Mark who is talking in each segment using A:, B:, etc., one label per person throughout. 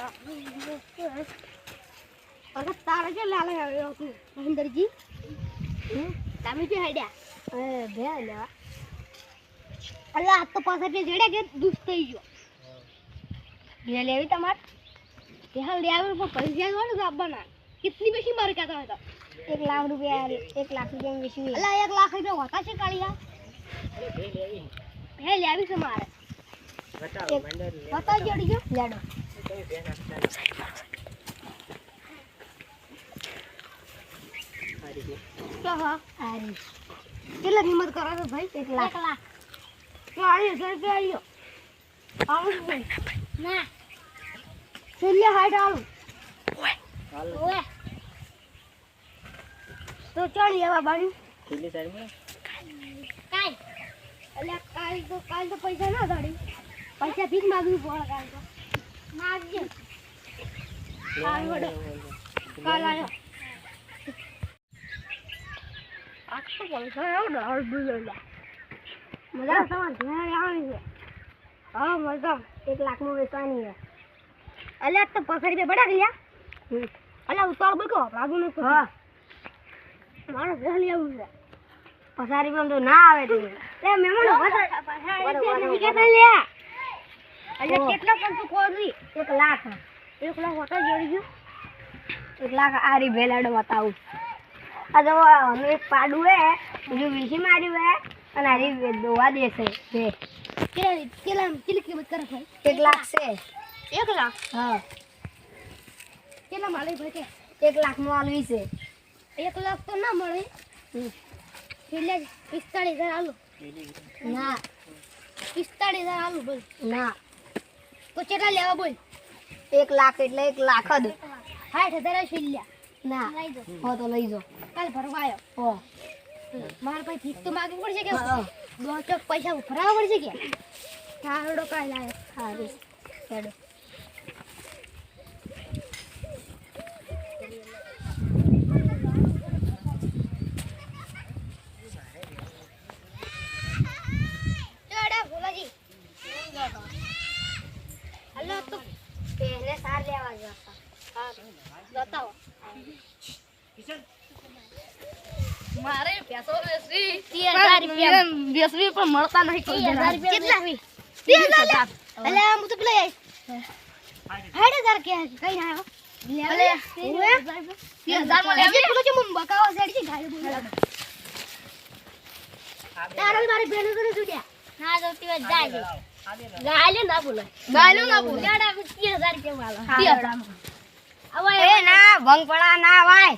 A: અરે તારે કે લાલે આવ્યો તું મહેન્દ્રજી તમે કે હેડ્યા બે લેવા અલ્લા આ તો પાછા કે જેડે કે દુસ થઈ ગયો બે લેવી તમાર કે હાલ લેવું પણ પૈસા જોડે તો આપવાના કેટલી બેસી માર કહેતા હતા 1 લાખ રૂપિયા 1 લાખ રૂપિયા બેસી અલ્લા 1 લાખ રૂપિયા હોતા છે કાળિયા હે લેવી છે મારે બતાવ જોડી જો લેડો હા આરી કેટલા કિંમત કરો છો ભાઈ 1 લાખ 1 લાખ તો 40,000 રૂપિયા આવ્યો ના છેલ્લે હાઈટ આલું ઓય તો ચાલ લેવા બાણી છેલ્લી સાઈડમાં કાઈ અલ્યા કાલ તો પૈસા ના દાડી પૈસા ભીખ માંગવી પડે કાલ તો માગજે કાલ વડો કાલ આયો આખો પૈસા આવ ને હળ બુલેલા મજા તમાર ઘરે આવવાની છે હા મજા 1 લાખ નું વેચવાની છે અલ્યા તો 50 રૂપિયા બડા ગયા અલ્યા ઉતાર બકો લાગુ ન હા મારો ઘરે આવું છે 50 રૂપિયા તો ના આવે તે લે મેમણો નહીં કેતા લે અલ્યા કેટલા પણ તું કોરી 1 લાખ હોતો જોડી ગયો 1 લાખ આરી ભેલાડો બતાવું આ જો એક પાડું હે જો વીસી માર્યું હે અને આરી દોવા દેશે બે કેટલી કિંમત કરે ભાઈ 1 લાખ છે 1 લાખ હા કેટલા માલે ભાઈ કે 1 લાખ નું આલવી છે 1 લાખ તો ના મળે એટલે 45,000 આલુ ના 45,000 આલુ બોલ ના તો કેટલા લેવા બોલ 1 લાખ એટલે 1 લાખ જ 60,000 છિલ્યા ના લઈ જો હો તો લઈ જો કાલ ભરવા આવ્યો હો માર ભાઈ ફીસ તો માગવી પડશે કે દો ચોક પૈસા ભરાવા પડશે કે થાળડો કાલ આવ્યો હારી હેડો ચડા ભોલાજી હલો તો પહેલે સાર લેવા જતા હા બતાવો મારે પેસો વેસવી 30,000 રૂપિયા વેસવી પણ મળતા નહીં 30,000 રૂપિયા કેટલા 30,000 અલે હું તો પેલા 60,000 કે કઈ ના આવ્યો લે 30,000 માં લેવી પેલો જે બકાવા સાઈડ છે ગાય બોલા તારા મારી બેનો તો સુડ્યા ના તો તી જાય ગાયલે ના બોલે ગાયલો ના બોલે જાડા 30,000 રૂપિયા વાળા 30,000 હવે એ ના ભંગ પડા ના વાય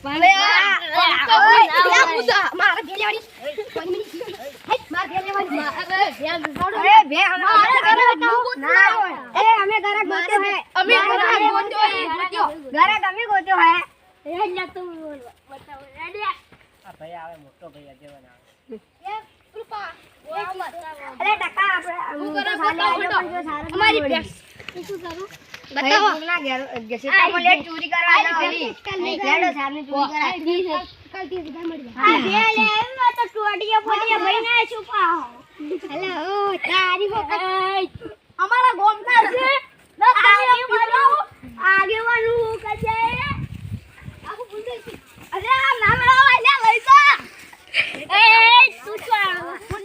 A: માર ભેલેવાડી માર ભેલેવાડી અરે ભે અમારે ઘરે ના એ અમે ઘરે ગોત્યો હે અમે ઘરે ગોત્યો હે ઘરે તમે ગોત્યો હે એ લ્યા તું બતાવો રેડી આ ભાઈ આવે મોટો ભાઈ દેવાના આવે એ કૃપા અરે ટકા આપણે અમારી પેસ શું કરું બતાવો ના ઘર સીતા લેટ ચોરી કરવા આલી લેડો સામે ચોરી કરા કાલ 30,000 મળી જાય આ બે લે એમાં તો ટોડિયા ફોડિયા ભાઈ ના છુપાઓ હેલો તારી વખત અમારા ગોમના છે આગેવાનું કજે આખું ભૂલ ગઈ અરે આ નામ લાવા લે લઈ જા એ